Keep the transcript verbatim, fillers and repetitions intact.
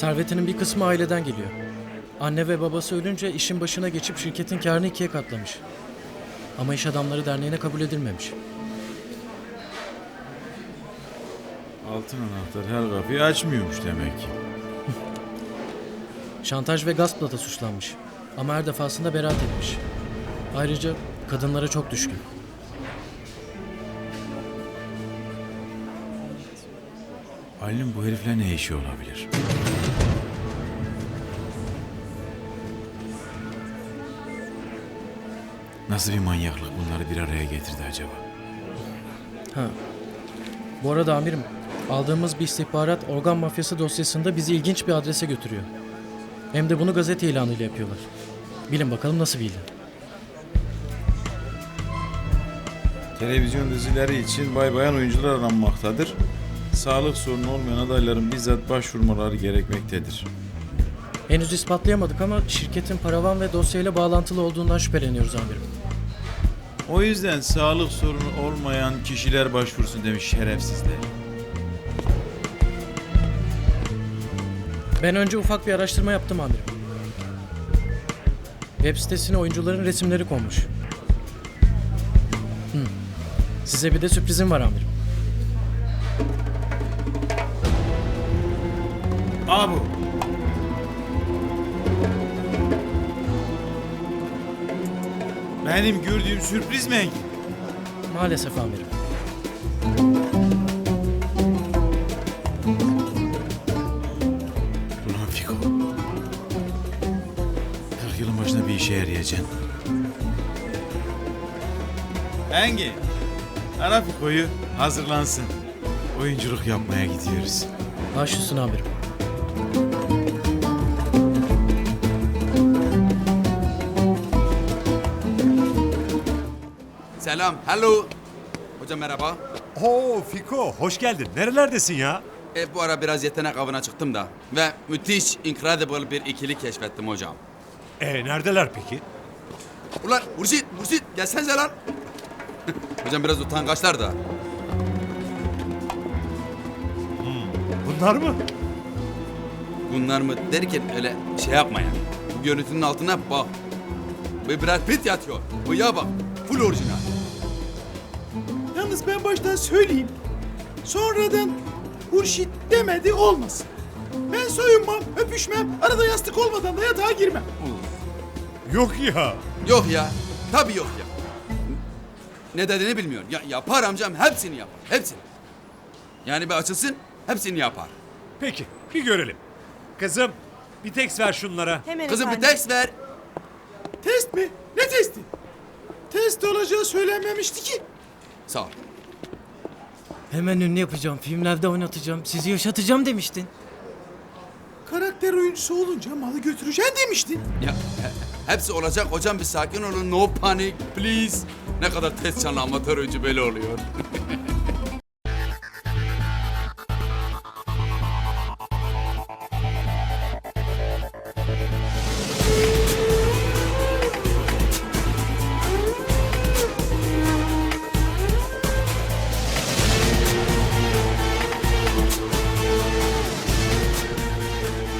Servetinin bir kısmı aileden geliyor. Anne ve babası ölünce işin başına geçip şirketin kârını ikiye katlamış. Ama iş adamları derneğine kabul edilmemiş. Altın anahtar her kapıyı açmıyormuş demek ki. Şantaj ve gaspla da suçlanmış. Ama her defasında beraat etmiş. Ayrıca kadınlara çok düşkün. Ali'nin bu herifle ne işi olabilir? Nasıl bir manyaklık bunları bir araya getirdi acaba? Ha. Bu arada amirim, aldığımız bir istihbarat organ mafyası dosyasında bizi ilginç bir adrese götürüyor. Hem de bunu gazete ilanıyla yapıyorlar. Bilin bakalım nasıl bir ilan. Televizyon dizileri için bay bayan oyuncular aranmaktadır. Sağlık sorunu olmayan adayların bizzat başvurmaları gerekmektedir. Henüz ispatlayamadık ama şirketin paravan ve dosyayla bağlantılı olduğundan şüpheleniyoruz amirim. O yüzden sağlık sorunu olmayan kişiler başvursun demiş şerefsizler. Ben önce ufak bir araştırma yaptım amirim. Web sitesine oyuncuların resimleri konmuş. Hı. Size bir de sürprizim var amirim. Aa bu. Benim gördüğüm sürpriz mi Engin? Maalesef amirim. Ulan Fiko. kırk yılın başına bir işe yarayacaksın. Engin. Ara Fiko'yu hazırlansın. Oyunculuk yapmaya gidiyoruz. Baş üstüne amirim. Selam, hello. Hocam merhaba. Oo Fiko, hoş geldin. Nerelerdesin ya? E, bu ara biraz yetenek avına çıktım da. Ve müthiş, incredible bir ikili keşfettim hocam. E neredeler peki? Ulan Hurşit, Hurşit gelsenize lan. Hocam biraz utangaçlar da. Bunlar mı? Bunlar mı derken öyle şey yapma yani. Bu görüntünün altına bak. Bir Brad Pitt yatıyor. Bıyığa bak. Full orijinal. Yalnız ben baştan söyleyeyim. Sonradan Hurşit demedi olmasın. Ben soyunmam, öpüşmem, arada yastık olmadan da yatağa girmem. Yok ya. Yok ya. Tabii yok ya. Ne dediğini bilmiyorum. Ya, yapar amcam hepsini yapar. Hepsini. Yani bir açılsın hepsini yapar. Peki, bir görelim. Kızım, bir tekst ver şunlara. Hemen Kızım bir efendim. test ver. Test mi? Ne testi? Test olacağı söylenmemişti ki. Sağ ol. Hemen ünlü yapacağım, filmlerde oynatacağım, sizi yaşatacağım demiştin. Karakter oyuncusu olunca malı götüreceksin demiştin. Ya he- hepsi olacak hocam bir sakin olun. No panic please. Ne kadar test canlı amatör oyuncu böyle oluyor.